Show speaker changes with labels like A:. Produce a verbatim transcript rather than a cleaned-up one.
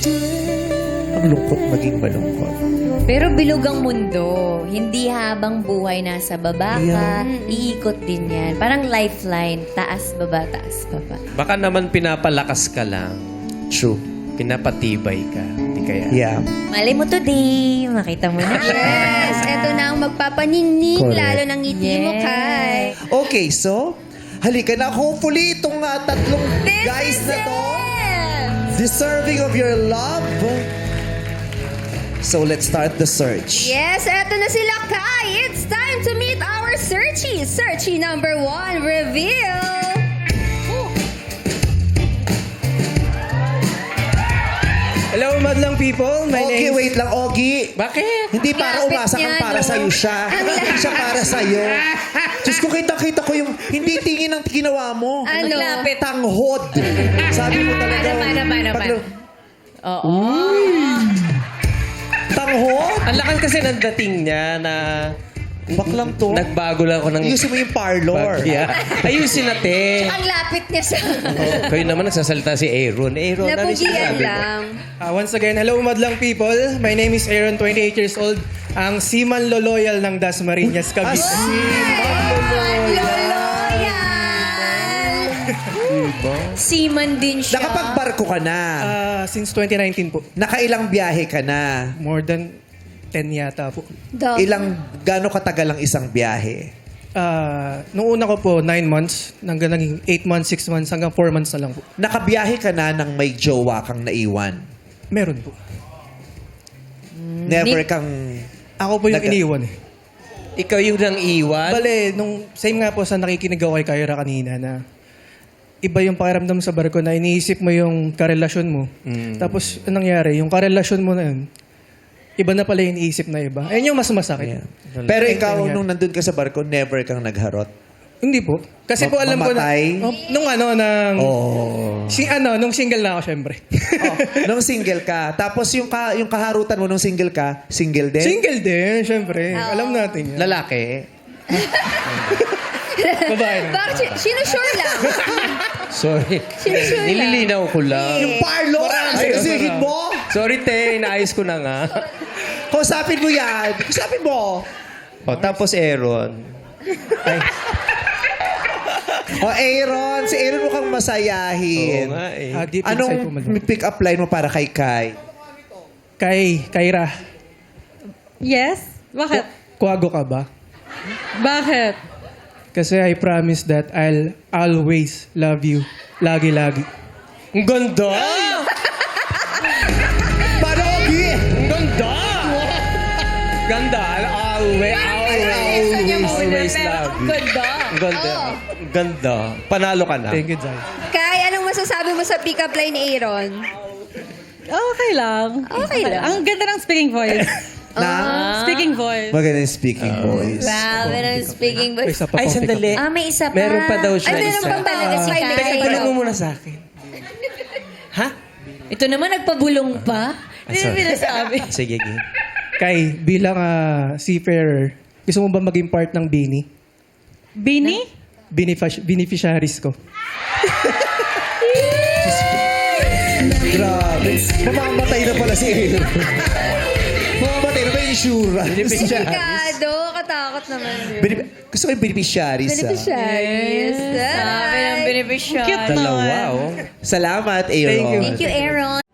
A: Ang lungkot maging malungkot.
B: Pero bilog ang mundo. Hindi habang buhay nasa baba ka,
A: Yeah.
B: iikot din yan. Parang lifeline, taas, baba, taas, baba.
C: Baka naman pinapalakas ka lang.
A: True.
C: Pinapatibay ka. Hindi kaya.
A: Yeah.
B: Mali mo today, makita mo na.
D: Yes, eto na ang magpapaningning,
A: Correct.
D: lalo ng ngiti mo,
B: Yes.
D: Kai.
A: Okay, so, halika na. Hopefully, itong uh, tatlong guys na to, deserving of your love. So, let's start the search.
D: Yes, eto na sila, Kai. It's time to meet our searchy. Searchy number one, reveal.
E: Hello, madlang people. My
A: Ogie,
E: name
A: wait lang, Ogie.
C: Bakit?
A: Hindi para
D: Lapit
A: umasa kang
D: niya,
A: para
D: no?
A: sa'yo siya. Hindi siya para sa'yo. Diyos ko, kita-kita ko yung hindi tingin ang ginawa mo.
D: Ano?
B: Lapit.
A: Tanghod. Sabi mo talaga.
B: Naman, naman, naman.
A: paglo-
B: Oo.
A: Tanghod?
C: Ang lakas kasi ng dating niya na
A: Baklang to.
C: nagbago lang ako ng
A: Ayusin mo yung parlor.
C: bagya. Ayusin natin.
D: Ang lapit niya sa...
C: Oh, kayo naman nagsasalita si Aaron. Aaron, ano yung
D: Napugian
C: sinasabi mo?
D: lang.
E: Uh, once again, hello, madlang people. My name is Aaron, twenty-eight years old. Ang Seaman Loloyal ng Dasmariñas, Cavite.
D: Loloyal!
B: Seaman din siya.
A: Nakapagbarko ka na.
E: Uh, since twenty nineteen po.
A: Nakailang biyahe ka na.
E: More than ten yata po.
D: Dog.
A: Ilang, gaano katagal ang isang biyahe?
E: Uh, nung una ko po, nine months. Hanggang naging eight months, six months, hanggang four months na lang po.
A: Nakabiyahe ka na ng may jowa kang naiwan.
E: Meron po.
A: Never kang...
E: Ako po yung
A: Nag-
E: iniwan eh.
C: Ikaw yung nang iwan?
E: Bale, nung same nga po sa nakikinig ako kay Kyra kanina na iba yung pakiramdam sa barko na iniisip mo yung karelasyon mo. Tapos, anong nangyari? Yung karelasyon mo na yun, iba na pala yung iniisip na iba. Ayun yung mas masakit.
A: Yeah. Pero
E: Ayun
A: ikaw,
E: yung
A: nung nandun ka sa barko, never kang nagharot.
E: Hindi po. Kasi po alam ko na...
A: Mamatay?
E: Oh, nung ano, nang...
A: Oh.
E: Si, ano, nung single na ako, syempre.
A: oh. Nung single ka. Tapos yung, ka, yung kaharutan mo nung single ka, single din?
E: Single din, syempre. Alam natin yan.
C: Lalaki?
E: Babae na.
D: Bakit? si- Sinusure lang.
C: Sorry.
D: Sinusure lang.
C: Nililinaw ko lang.
A: Yung parlor!
E: Ay,
A: Sisihin
E: marami.
A: mo!
C: Sorry, te. Inaayos ko na nga.
A: Kausapin mo yan. Kausapin mo.
C: O, tapos Aaron.
E: Ay,
A: O, Aaron. Si Aaron mukhang masayahin.
C: Oo nga eh.
E: ah, deep inside po,
A: Anong
E: madam.
A: pick-up line mo para kay Kai?
E: Kay, Kyra,
F: Yes? Bakit?
E: kuwago ka ba?
F: Bakit?
E: Kasi I promise that I'll always love you. Lagi-lagi.
C: Ang ganda!
A: Paano, Ogie?
C: Ang ganda! Ganda. Always, always, always love you.
B: Ganda.
C: Ang ganda. Ang Ganda. Panalo ka na.
E: Thank you, Jai.
D: Kai, anong masasabi mo sa pick-up line ni Aaron?
F: Okay lang.
D: Okay lang.
F: Ang ganda ng speaking voice.
A: Na?
F: Speaking voice.
A: Maganda yung speaking voice.
B: Grabe ng speaking
E: May
B: voice.
E: isa pa
C: Ay,
E: pong
C: sandali.
B: Ah, may isa pa.
C: Meron pa daw siya.
D: Ay, meron
C: isa.
D: pa talaga si Kai.
C: Teka, tanong mo muna sa akin. Ha?
B: Ito naman, nagpabulong pa. Hindi
C: sorry.
B: na sinasabi.
C: Sige, game.
E: Kay, pick-up bilang ah, seafarer, gusto mo ba maging part ng Bini?
F: Bini?
E: Benefic- beneficiaries ko.
A: Grabe. Mamamatay na pala si Aaron. Mamamatay na ba yung insurance?
D: Delikado. Katakot naman yun.
A: Benef- Gusto ko yung beneficiaries. ah.
D: Beneficiaries.
B: Sabi ng beneficiary.
F: Cute
C: Dalawa,
F: naman.
C: oh.
A: Salamat, Aaron.
E: Thank you.
B: Thank you, Aaron.